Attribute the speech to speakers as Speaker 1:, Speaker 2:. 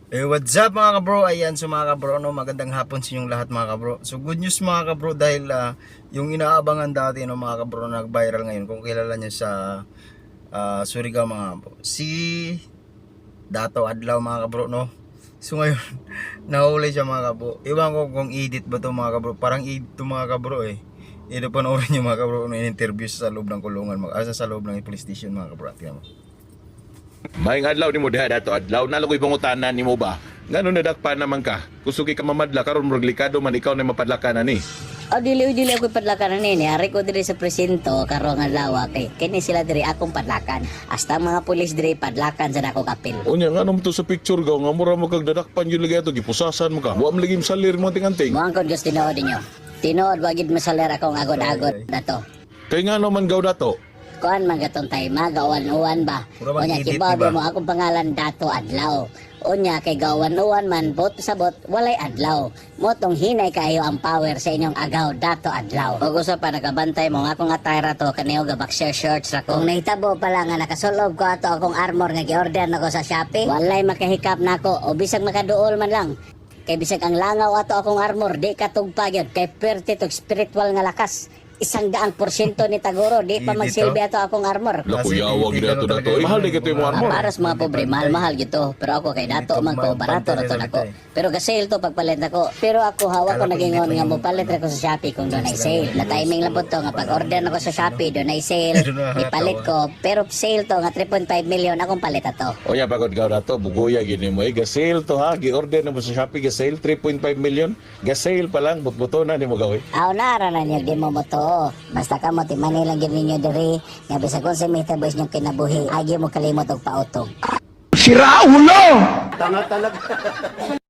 Speaker 1: What's up mga kabro? Ayan, so mga kabro, no, magandang hapon sa inyong lahat mga kabro. So good news mga kabro dahil yung inaabangan dati no, mga kabro, nag-viral ngayon. Kung kilala niyo sa Surigao mga kabro, si Dato Adlaw mga kabro, no. So ngayon nahuli siya mga kabro. Iwan ko kung edit ba to mga kabro. Parang edit to mga kabro eh. Ito panoorin niyo mga kabro, no, in-interview sa loob ng kulungan, sa loob ng police station mga kabro. Tingnan mo.
Speaker 2: Maing adlaw nimo diha dato adlaw nalagoy pangutanan nimo ba ngano nadakpan naman ka kusugi ka mamadla karon murag likado man ikaw na mapadlakan ani.
Speaker 3: Dili ako padlakan ni ari ko diri sa presinto karon nga lawa kay kini sila diri akong padlakan hasta mga pulis diri padlakan sa nako kapil.
Speaker 2: Unya ngano mo to sa picture gaw nga mura mo kag dadakpan yun lagi ato gipusasan mo ka wa mo lagi salir mo tinganting.
Speaker 3: Mo angkon gusto tinuod ninyo. Tinuod wagid masaler akong agod-agod dato.
Speaker 2: Kay ngano man gaw dato.
Speaker 3: Kuan man gatong tay magawan-uwan ba.
Speaker 1: Pura
Speaker 3: Unya
Speaker 1: mag-edit,
Speaker 3: kibaw
Speaker 1: diba?
Speaker 3: mo akong pangalan Dato Adlaw. Unya kay gawan-uwan man bot sa bot walay adlaw. Motong hinay kayo ang power sa inyong agaw Dato Adlaw. Ug usa pa nagabantay mo nga akong attire to kaniyo ga boxer shorts ra ko. Kung nahitabo pala nga nakasulob ko ato akong armor nga gi-order nako sa Shopee, walay makahikap nako o bisag makaduol man lang. Kay bisag ang langaw ato akong armor di katugpa gyud kay perti to spiritual nga lakas. 100% ni Tagoro, di pa
Speaker 1: Dito?
Speaker 3: magsilbi ato akong armor.
Speaker 2: Lakuyawa gid ato dato. Mahal di kito mo armor.
Speaker 3: Para sa mga pobre, mahal gito. Pero ako kay Dato man ko, barato na to nako. Pero ga-sale to pagpalit nako. Pero ako hawak ko nagingon nga mo palit ra ko sa Shopee kung doon ay sale. Na timing lang po to nga pag-order nako sa Shopee, doon ay sale. Ipalit ko. Pero sale to nga 3.5 million akong palit ato.
Speaker 2: Unya pagod gaw dato bugoya gini mo ga sale to ha gi-order na mo sa Shopee ga sale 3.5 million. Ga sale pa lang butbuto na nimo gaw.
Speaker 3: Aw nara na niyo di mo moto. Basta ka mo ti Manila gyud ninyo diri nga bisag kung sa meta boys nyong kinabuhi agi mo kalimot og pautog.
Speaker 4: Sira ulo! Tanga talaga.